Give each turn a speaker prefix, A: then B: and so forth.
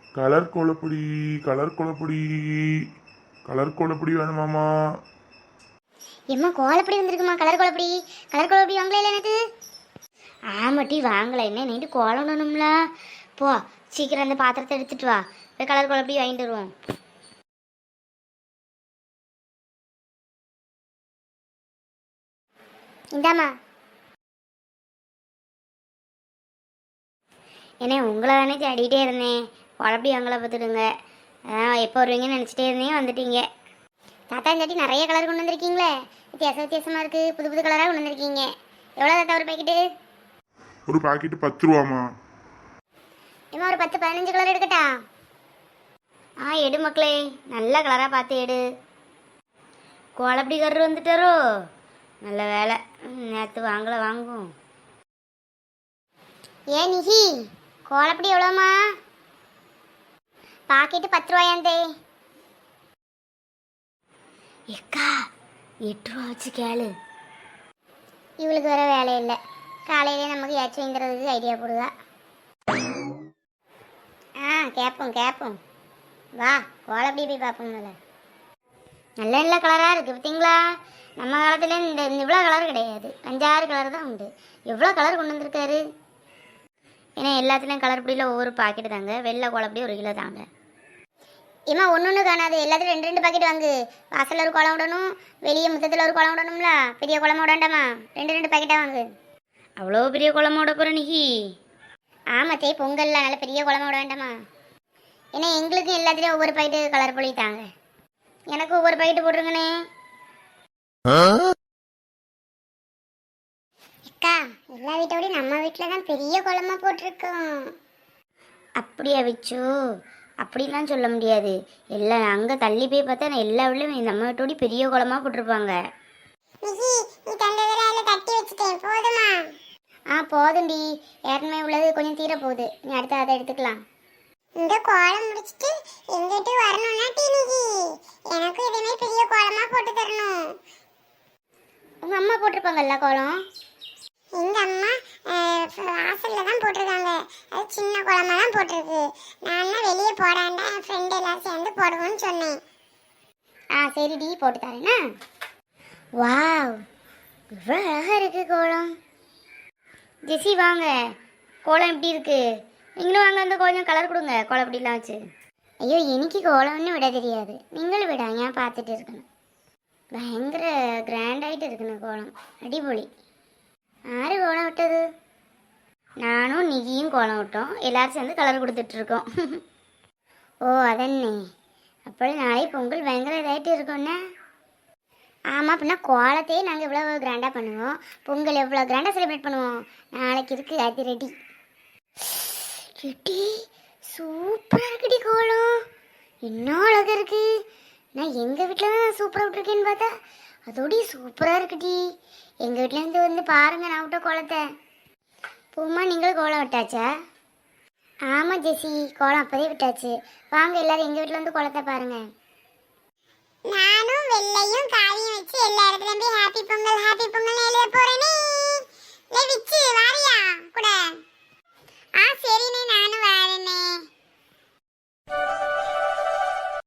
A: Colour கோலப்பொடி colour கோலப்பொடி colour கோலப்பொடி வேணுமாமா?
B: எம்மா கோலப்பொடி வந்திருக்குமா? கலர் கோலப்பொடி. கலர் கோலப்பொடி வாங்கல எனக்கு. ஆமாட்டி வாங்கல. என்ன நைட்டு கோலம் விடணும்ல. போ சீக்கிரம் அந்த பாத்திரத்தை எடுத்துட்டு வா. போய் கலர் கோலப்பொடி வாங்கிட்டு வருவோம். இந்தாம்மா. ஏன்னா உங்களை தானே தேடிகிட்டே இருந்தேன். கோலப்பொடி வாங்கலை பார்த்துடுங்க. எப்போ வருவீங்கன்னு நினச்சிட்டே இருந்தேன், வந்துட்டீங்க. தாத்தா இந்த வாட்டி நிறைய கலர் கொண்டு வந்திருக்கீங்களே. வித்தியாசமாக இருக்குது. புது புது கலராக கொண்டு வந்திருக்கீங்க. எவ்வளோ தாத்தா ஒரு பேக்கெட்டு?
A: ஒரு பாக்கெட்டு 10 ரூபாமா?
B: ஏமா ஒரு 10-15 கலர் எடுக்கட்டா? எடு மக்களே, நல்ல கலராக பார்த்து எடு. கோலப்பொடி கரு வந்துட்டாரோ? நல்ல வேலை, நேற்று வாங்கலை, வாங்குவோம். ஏன் நிஹி, கோலப்பொடி எவ்வளோமா? பாக்கெட்டு 10 ரூபாயாந்தே. எக்கா 8 ரூபா வச்சு கேளு. இவளுக்கு வேற வேலை இல்லை. காலையிலே நமக்கு ஏச்சு வாங்கிறதுக்கு ஐடியா போடுதா. கேட்போம். வா கோலப்பொடி போய் பார்ப்போம். நல்ல நல்ல கலராக இருக்குது பார்த்தீங்களா? நம்ம காலத்துல இந்த இவ்வளோ கலர் கிடையாது. 5-6 கலர் தான் உண்டு. எவ்வளோ கலர் கொண்டு வந்திருக்காரு. ஏன்னா எல்லாத்துலேயும் கலர் பொடியில் ஒவ்வொரு பாக்கெட்டு தாங்க. வெள்ளை கோலப்பொடி 1 கிலோ தாங்க. ஏமா ஒன்று காணாது. எல்லாத்துலையும் 2 பாக்கெட் வாங்கு. வாசலில் ஒரு கோலம் விடணும், வெளியே முத்தத்தில் ஒரு கோலம் விடணும்ல. பெரிய கோலமாக விடாண்டாமா? 2 பாக்கெட்டாக வாங்கு. அவ்வளோ பெரிய கோலமாக விட போகிற நிகி? ஆமாத்தே, பொங்கல்லாம் நல்ல பெரிய கோலமாக விட வேண்டாமா? ஏன்னா எங்களுக்கும் எல்லாத்துலேயும் ஒவ்வொரு பாக்கெட்டு கலர் பொடி தாங்க. எனக்கு ஒவ்வொரு பாக்கெட்டு போட்டுருங்கண்ணே. அக்கா எல்லா வீட்டோடய நம்ம வீட்டில் தான் பெரிய கோலமாக போட்டிருக்கோம். அப்படியா விச்சு? அப்படிலாம் சொல்ல முடியாது. எல்லாம் அங்கே தள்ளி போய் பார்த்தா நான் எல்லா வீட்லையும் நம்ம வீட்டோட பெரிய கோலமாக போட்டிருப்பாங்க. போதும்டி. ஏற்கனவே உள்ளது கொஞ்சம் தீர போகுது. நீ அடுத்து அதை எடுத்துக்கலாம். இந்த கோலம் முடிச்சிட்டு எங்கிட்ட வரணும்னா டீனிகி எனக்கு இதே மாதிரி பெரிய கோலமா போட்டு தரணும். உங்க அம்மா போட்டிருப்பாங்கல்ல கோலம்? எங்க அம்மா வாசல்ல தான் போட்டிருக்காங்க. அது சின்ன கோலமா தான் போட்டிருக்கு. நான் வெளியே போடாண்டா என் ஃப்ரெண்ட் எல்லாரும் சேர்ந்து போடுவோம்னு சொன்னேன். சரிடி போட்டு தரேன்னா. வாவ், இவ்வளோ அழகா இருக்கு கோலம். ஜெசி வாங்க, கோலம் எப்படி இருக்கு? நீங்களும் வாங்க, அந்த கொஞ்சம் கலர் கொடுங்க. கோலப்பொடிலாம் வச்சு. ஐயோ எனக்கு கோலம்னு விட தெரியாது. நீங்களும் விட ஏன் பார்த்துட்டு இருக்கணும். பயங்கர கிராண்டாகிட்டு இருக்கணும் கோலம். அடிபொலி. யாரு கோலம் விட்டது? நானும் நிகியும் கோலம் விட்டோம். எல்லாரும் சேர்ந்து கலர் கொடுத்துட்ருக்கோம். ஓ அதன்னே. அப்படி நாளை பொங்கல் பயங்கர இதாகிட்டு இருக்கோன்னே. ஆமாம், அப்படின்னா கோலத்தையே நாங்கள் இவ்வளோ கிராண்டாக பண்ணுவோம். பொங்கல் எவ்வளோ கிராண்டாக செலிப்ரேட் பண்ணுவோம். நாளைக்கு இருக்குது அது ரெடி. ரெடி சூப்பராக இருக்குடி கோலம். என்ன அழகாக இருக்கு. நான் எங்கள் வீட்டில் தான் சூப்பராக விட்டுருக்கேன்னு பார்த்தா அதோடய சூப்பராக இருக்குடி. எங்கள் வீட்டிலேருந்து வந்து பாருங்கள் நான் விட்ட கோலத்தை. பூமா நீங்களும் கோலம் விட்டாச்சா? ஆமாம் ஜெசி, கோலம் அப்போதே விட்டாச்சு. வாங்க எல்லோரும் எங்கள் வீட்டில் வந்து கோலத்தை பாருங்கள். நானும் வெள்ளையும்